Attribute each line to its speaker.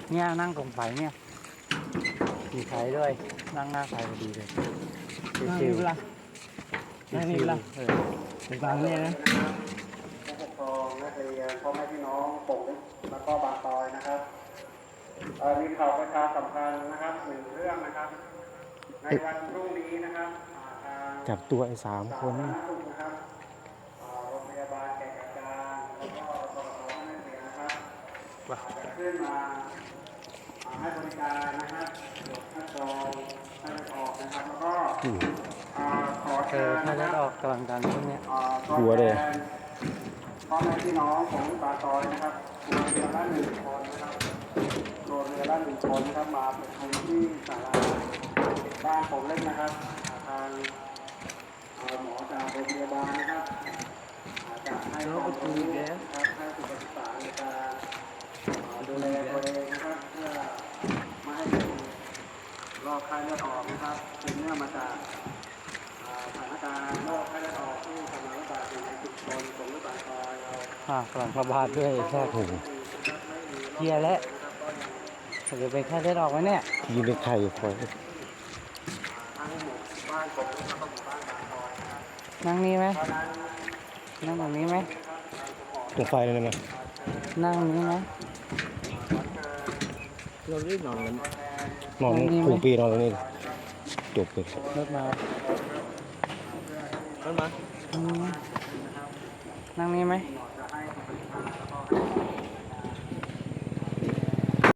Speaker 1: เนี่ยนั่งตรงไฟเนี่ยมีไฟด้วยนั่งหน้าไฟพอดีเลย
Speaker 2: นั่ง
Speaker 1: ชิ
Speaker 2: นี่
Speaker 1: ว
Speaker 2: เวลา
Speaker 1: ๆ
Speaker 2: นั่งนี่
Speaker 1: ชิว
Speaker 2: เวลา
Speaker 1: ๆเออ
Speaker 2: ถึงบางเนี่ยนะ
Speaker 3: ผู้ปกครองนักเรียนพ่อแม่พี่น้องปกแล้วก็บางตอยนะครับมีข่าวประชาสัมพันธ์นะครับหนึ่งเรื่องนะครับในวันพรุ่งนี้นะครับ
Speaker 1: จับตัวไอ้3 คน
Speaker 3: สาธารณสุขนะครับโรงพยาบาลแก่งกระจานแล้วก็ปตทนักเรียนนะครับจะขึ้นมาให้บริการนะครับตรวจคัดกรองให้เลือดออกนะครับแล้วก็ขอเชิญ
Speaker 1: ถ้า
Speaker 3: นะค
Speaker 1: ได้
Speaker 3: รับ
Speaker 1: ออกกำลังกายพวกเนี้ย
Speaker 3: กลัวเลยพ่อแม่พี่น้องของปาซอยนะครับครัวเรือละ1 คนนะครับครัวเรือละ1 คนนะครับมาประชุมที่ศาลาบ้านผมเล็กนะครับทางหมอจากโรงพยาบาลนะครับจะให้ความรู้นะครับให้สุขศึกษาในการดูแลตัวเองนะครับเพื่อไม่ให้เป็นโรคไข้เลือดออกนะครับเป็นเนื่องมาจากสถานการณ์โรคไข้เลือดออกที่กำลังระบาดอยู่ในชุมชนของปากซอยเรา
Speaker 1: กำลังระบาดด้วยแค่หูเฮียแล้วจะเป็นแค่ได้ออกไหมเนี่ย
Speaker 2: ยืนในไข่คอย
Speaker 3: ทั้งหมู่บ้านผมแล้วก็หมู่บ้านบางซอยนะครับ
Speaker 1: นั่งนี่ไหม
Speaker 3: เพราะฉะนั้น
Speaker 1: นั่งแบบนี้ไหม
Speaker 2: ตรงไฟเลยนะ
Speaker 1: นั่งนี้ไหม
Speaker 2: เราได้นอนกันน
Speaker 1: น
Speaker 2: อ
Speaker 1: อน นนี่ไหม
Speaker 2: ผูปีนอนตรงนี้จบเลย
Speaker 1: รถมา
Speaker 2: นั่นมา
Speaker 1: อืมนั่งนี่ไหม